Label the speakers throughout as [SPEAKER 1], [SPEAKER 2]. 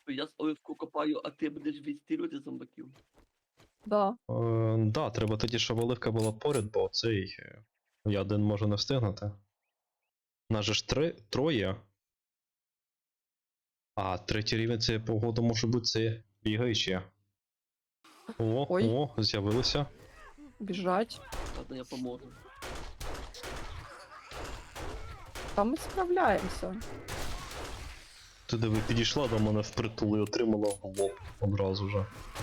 [SPEAKER 1] Я з оливку копаю, а ти будеш відстрілювати зомбаків.
[SPEAKER 2] Да.
[SPEAKER 3] Да, треба тоді, щоб оливка була поряд, бо цей. Я один можу не встигнути. Нас же ж троє. А, третій рівень це погода може бути це бігаючі.
[SPEAKER 2] Ой.
[SPEAKER 3] О, з'явилися.
[SPEAKER 2] Біжать.
[SPEAKER 1] Ладно, я поможу.
[SPEAKER 2] Та ми справляємося.
[SPEAKER 3] Ти диви, підійшла до мене впритул і отримала в лоб одразу вже.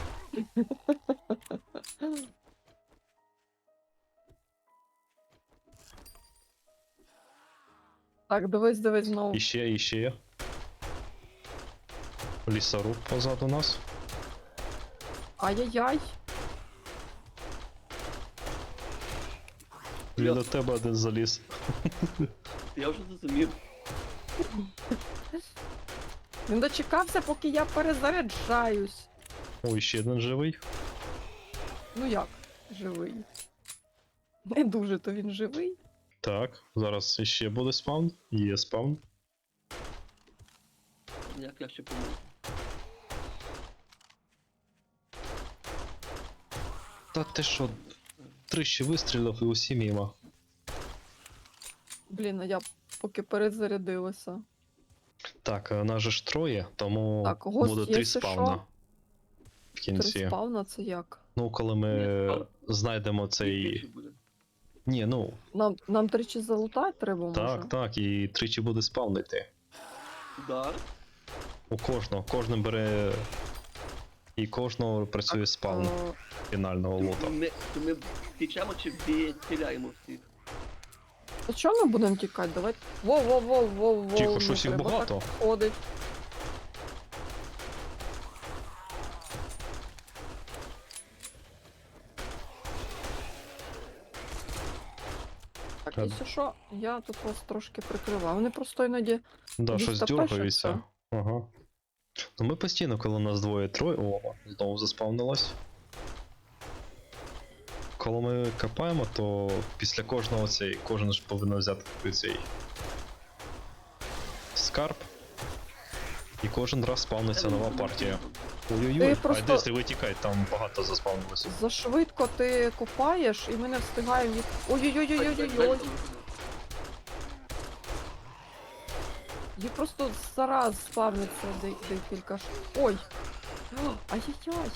[SPEAKER 2] Так, дивись знову.
[SPEAKER 3] Іще. Лісоруб позаду нас.
[SPEAKER 2] Ай-яй-яй.
[SPEAKER 3] Він до тебе один заліз.
[SPEAKER 1] Я вже зрозумів.
[SPEAKER 2] Він дочекався, поки я перезаряджаюсь.
[SPEAKER 3] Ой, ще один живий.
[SPEAKER 2] Ну як, живий. Не дуже, то він живий.
[SPEAKER 3] Так, зараз іще буде спаун. Є спаун.
[SPEAKER 1] Як я ще поможу.
[SPEAKER 3] Та ти що, тричі вистрілив і усі мімо.
[SPEAKER 2] Блін, а я поки перезарядилася.
[SPEAKER 3] Так, нас же ж троє, тому
[SPEAKER 2] Так, гост
[SPEAKER 3] буде
[SPEAKER 2] є,
[SPEAKER 3] 3
[SPEAKER 2] якщо
[SPEAKER 3] спауна.
[SPEAKER 2] що.
[SPEAKER 3] В кінці.
[SPEAKER 2] Три спавна це як?
[SPEAKER 3] Ну, коли
[SPEAKER 1] Ні,
[SPEAKER 3] ми
[SPEAKER 1] спаун.
[SPEAKER 3] знайдемо цей.
[SPEAKER 1] Більше буде.
[SPEAKER 3] Ні, ну,
[SPEAKER 2] Нам тричі залутати треба, може?
[SPEAKER 3] так, і тричі буде спавнити.
[SPEAKER 1] Да.
[SPEAKER 3] У кожного бере. І кожного працює спаун фінального лота.
[SPEAKER 1] Ми втічемо чи відстріляємо всіх?
[SPEAKER 2] То чого ми будемо тікати? Давай. Воу.
[SPEAKER 3] Тихо,
[SPEAKER 2] не
[SPEAKER 3] щось їх
[SPEAKER 2] треба
[SPEAKER 3] багато.
[SPEAKER 2] так ходить. Так, якщо що, я тут вас трошки прикриваю. Вони просто іноді.
[SPEAKER 3] Да, щось
[SPEAKER 2] Дістопешаться.
[SPEAKER 3] дергаються. Ага. Ну ми постійно, коли нас двоє-троє. О, знову заспавнилось. Коли ми копаємо, то після кожного кожен ж повинен взяти цей скарб. І кожен раз спавниться нова партія. Ой-ой-ой,
[SPEAKER 2] просто-
[SPEAKER 3] а десь витікай, там багато заспавнилося.
[SPEAKER 2] Зашвидко ти копаєш, і ми не встигаємо їх. Ой-ой-ой-ой-ой-ой. Їх просто зараз спавниться декілька ж. Ой! Ай-яй-яй!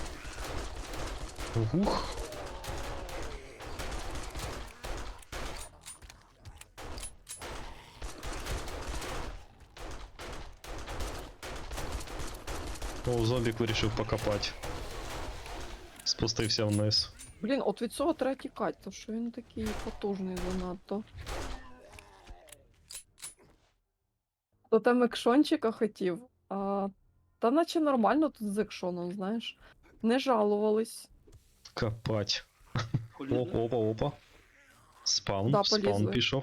[SPEAKER 3] Ух. О, зомбік вирішив покопати. Спустився вниз.
[SPEAKER 2] Блін, от від цього треба тікати, тому що він такий потужний занадто. То там екшончика хотів, та наче нормально тут з екшоном, знаєш. Не жалувались.
[SPEAKER 3] Копать.
[SPEAKER 1] Полізли.
[SPEAKER 3] Опа. Спаун,
[SPEAKER 2] Да,
[SPEAKER 3] спаун
[SPEAKER 2] полізли.
[SPEAKER 3] пішов.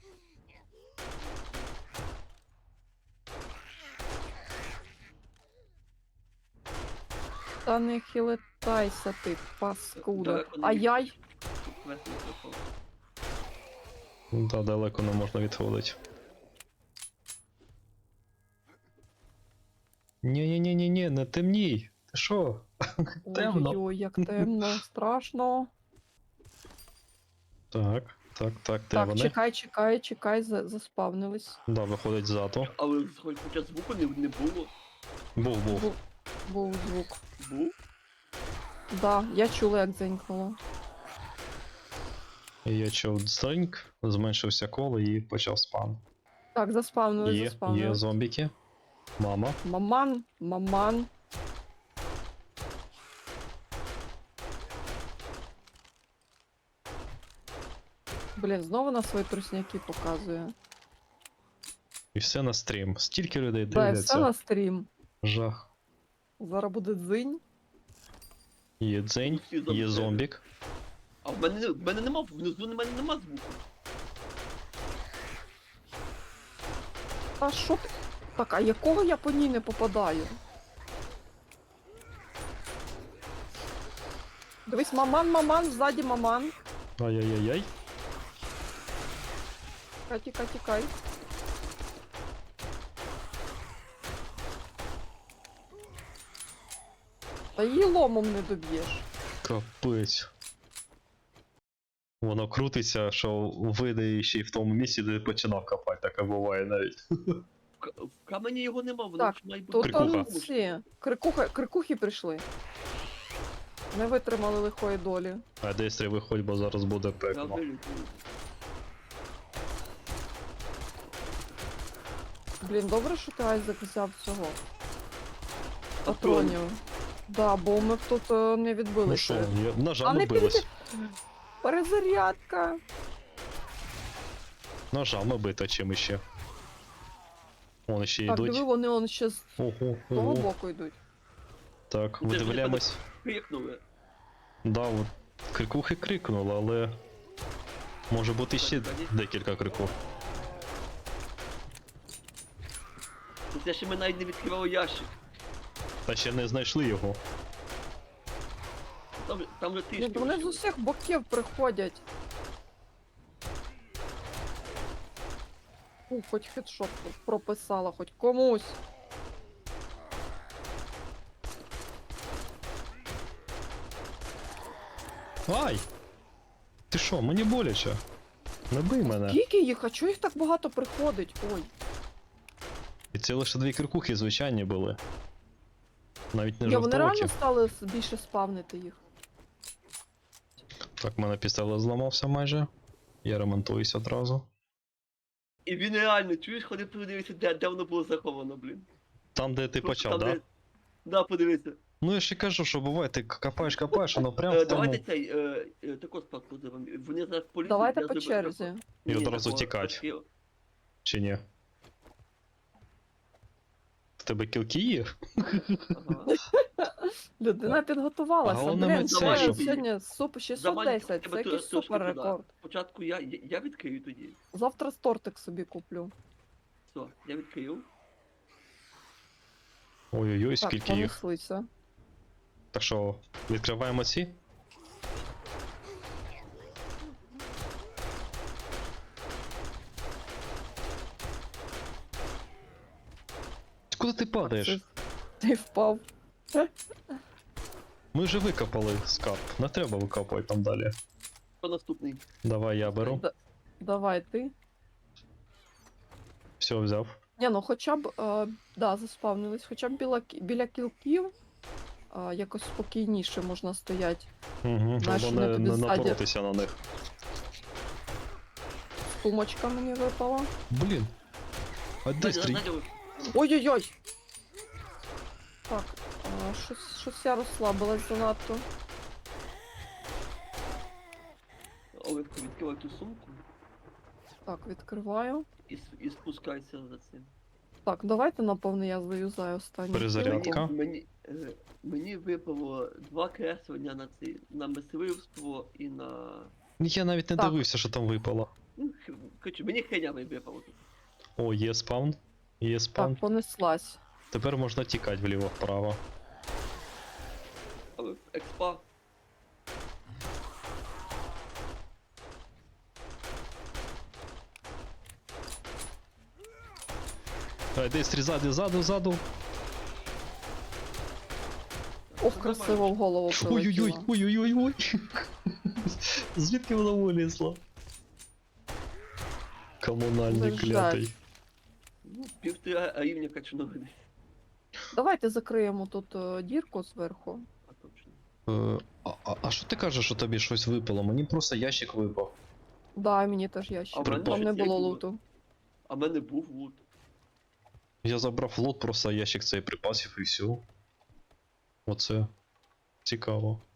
[SPEAKER 2] Та не хилитайся ти, паскуда.
[SPEAKER 1] Далеко не
[SPEAKER 2] Ай-яй!
[SPEAKER 1] Вверх не пропав.
[SPEAKER 3] Да, далеко не можна відходити. Ні, не темній. Ти що? Темно.
[SPEAKER 2] Ой-ой-ой, як темно, страшно.
[SPEAKER 3] Так, де
[SPEAKER 2] Так,
[SPEAKER 3] вони?
[SPEAKER 2] чекай, заспавнились.
[SPEAKER 3] Да, виходить ззаду.
[SPEAKER 1] Але хоча звуку не було.
[SPEAKER 3] Був.
[SPEAKER 2] Був звук.
[SPEAKER 1] Був?
[SPEAKER 2] Да, я чула, як дзенькнуло.
[SPEAKER 3] І я чув дзеньк, зменшився коло і почав спам.
[SPEAKER 2] Так, заспавнились.
[SPEAKER 3] Є зомбіки. Мама.
[SPEAKER 2] Маман. Блін, знову на свої трусняки показує.
[SPEAKER 3] І все на стрім. Стільки людей
[SPEAKER 2] Да,
[SPEAKER 3] дивляться.
[SPEAKER 2] все на стрім.
[SPEAKER 3] Жах.
[SPEAKER 2] Зараз буде дзинь.
[SPEAKER 3] Є дзень,
[SPEAKER 1] Всі зомбі.
[SPEAKER 3] є зомбік.
[SPEAKER 1] А в мене нема, внизу нема звуку.
[SPEAKER 2] А що ти? Так, а якого я по ній не попадаю? Дивись, маман, ззаді маман.
[SPEAKER 3] Ай-яй-яй-яй.
[SPEAKER 2] Тікай. Та її ломом не доб'єш.
[SPEAKER 3] Капець. Воно крутиться, що вийде ще й в тому місці, де починав копати, таке буває навіть.
[SPEAKER 1] В камені його нема, воно
[SPEAKER 2] Так,
[SPEAKER 1] ж має бути.
[SPEAKER 2] Тут
[SPEAKER 3] Крикуха.
[SPEAKER 2] он ці крикухи прийшли. Не витримали лихої долі.
[SPEAKER 3] А десь треба виходь, бо зараз буде
[SPEAKER 1] Я
[SPEAKER 3] пекло.
[SPEAKER 1] вилітаю.
[SPEAKER 2] Блін, добре, що ти Айзек взяв цього.
[SPEAKER 1] Патронів.
[SPEAKER 2] Патронів. Да, бо ми б тут не
[SPEAKER 3] Ну
[SPEAKER 2] відбилися.
[SPEAKER 3] що, ножа
[SPEAKER 2] А не
[SPEAKER 3] билась.
[SPEAKER 2] Перезарядка.
[SPEAKER 3] Ножами бито чим іще. Вон ще
[SPEAKER 2] Так, диви,
[SPEAKER 3] йдуть.
[SPEAKER 2] вони он ще з
[SPEAKER 3] Ого,
[SPEAKER 2] того
[SPEAKER 3] ого.
[SPEAKER 2] боку йдуть.
[SPEAKER 3] Так,
[SPEAKER 1] Це ж
[SPEAKER 3] видивляємось.
[SPEAKER 1] Крикнули.
[SPEAKER 3] Да, от крикухи крикнули, але може бути ще декілька крикух.
[SPEAKER 1] Це ще ми навіть не відкривали ящик.
[SPEAKER 3] Та ще не знайшли його.
[SPEAKER 1] Там же ти
[SPEAKER 2] Ні,
[SPEAKER 1] ж
[SPEAKER 2] вони з усіх боків приходять. Хоч хедшот прописала, хоч комусь.
[SPEAKER 3] Ай! Ти що, мені боляче? Не бий мене.
[SPEAKER 2] Скільки їх? А чого їх так багато приходить? Ой.
[SPEAKER 3] І це лише дві крикухи звичайні були. Навіть не
[SPEAKER 2] Ні, вони
[SPEAKER 3] жовтоокі.
[SPEAKER 2] реально стали більше спавнити їх.
[SPEAKER 3] Так, в мене пістолет зламався майже. Я ремонтуюсь одразу.
[SPEAKER 1] І він реально, чуєш, ходи подивися, де воно було заховано, блін.
[SPEAKER 3] Там, де ти
[SPEAKER 1] Просто
[SPEAKER 3] почав,
[SPEAKER 1] там,
[SPEAKER 3] да?
[SPEAKER 1] де- Да, подивися.
[SPEAKER 3] Ну я ще кажу, що буває, ти копаєш, воно прям в тому.
[SPEAKER 1] Давайте цей, таку спадку зробимо. Вони зараз полізуть.
[SPEAKER 2] Давайте
[SPEAKER 1] я
[SPEAKER 2] по
[SPEAKER 1] зроблю
[SPEAKER 2] черзі.
[SPEAKER 1] таку.
[SPEAKER 3] І
[SPEAKER 1] Ні,
[SPEAKER 3] одразу
[SPEAKER 1] такого,
[SPEAKER 3] тікать.
[SPEAKER 1] такі-
[SPEAKER 3] Чи ні? В тебе кілки є?
[SPEAKER 1] Ага.
[SPEAKER 2] Людина підготувалася.
[SPEAKER 3] головне,
[SPEAKER 2] Блін,
[SPEAKER 3] ми
[SPEAKER 2] це
[SPEAKER 1] це-
[SPEAKER 2] сьогодні 610, це якийсь супер рекорд.
[SPEAKER 1] Спочатку я відкрию тоді.
[SPEAKER 2] Завтра тортик собі куплю.
[SPEAKER 1] Все, я відкрив.
[SPEAKER 3] Ой-ой-ой,
[SPEAKER 2] Так,
[SPEAKER 3] скільки їх.
[SPEAKER 2] понеслися.
[SPEAKER 3] Так що, відкриваємо ці? Куди ти падаєш?
[SPEAKER 2] Ти впав.
[SPEAKER 3] Ми вже викопали скарб, не треба викопувати там далі.
[SPEAKER 1] Хто наступний?
[SPEAKER 3] Давай я беру.
[SPEAKER 2] Давай ти.
[SPEAKER 3] Все, взяв.
[SPEAKER 2] Ні, ну хоча б, да, заспавнились, хоча б біля кілків якось спокійніше можна стояти.
[SPEAKER 3] Угу,
[SPEAKER 2] Знаєш,
[SPEAKER 3] щоб
[SPEAKER 2] вони
[SPEAKER 3] не,
[SPEAKER 2] тобі
[SPEAKER 3] не
[SPEAKER 2] ззаді.
[SPEAKER 3] напоротися на них.
[SPEAKER 2] Сумочка мені випала.
[SPEAKER 3] Блін. А де стрій?
[SPEAKER 1] Надя,
[SPEAKER 2] Ой-ой-ой! Так, щось я розслабилась занадто.
[SPEAKER 1] Оливко, відкривай ту сумку
[SPEAKER 2] Так, відкриваю.
[SPEAKER 1] і спускайся за цим.
[SPEAKER 2] Так, давайте, напевно, я заюзаю останню.
[SPEAKER 3] Перезарядка.
[SPEAKER 2] хвилинку.
[SPEAKER 1] Мені випало 2 креслення на мисливство і на.
[SPEAKER 3] Я навіть не
[SPEAKER 2] Так.
[SPEAKER 3] дивився, що там випало.
[SPEAKER 1] Ну, коротше, мені хренями випало тут.
[SPEAKER 3] О, є спаун. Є спаун.
[SPEAKER 2] Так, понеслась.
[SPEAKER 3] Тепер можна тікати вліво-вправо.
[SPEAKER 1] Але експа.
[SPEAKER 3] А, де ззаду, ззаду.
[SPEAKER 2] Ох, красиво в голову
[SPEAKER 3] Ой-ой-ой,
[SPEAKER 2] прилетіло.
[SPEAKER 3] ой-ой-ой-ой. Звідки воно вилізло? Комунальний
[SPEAKER 2] Жаль.
[SPEAKER 3] клятий.
[SPEAKER 1] Ну, 1,5 рівня качнули десь.
[SPEAKER 2] Давайте закриємо тут дірку зверху.
[SPEAKER 1] А точно.
[SPEAKER 3] А що ти кажеш, що тобі щось випало? Мені просто ящик випав.
[SPEAKER 2] Да, мені теж ящик.
[SPEAKER 1] А в мене
[SPEAKER 2] Там не
[SPEAKER 1] щось є
[SPEAKER 2] було
[SPEAKER 1] було.
[SPEAKER 2] луту.
[SPEAKER 1] А в мене був лут.
[SPEAKER 3] Я забрав лот, просто ящик цей припасів і все. Оце цікаво.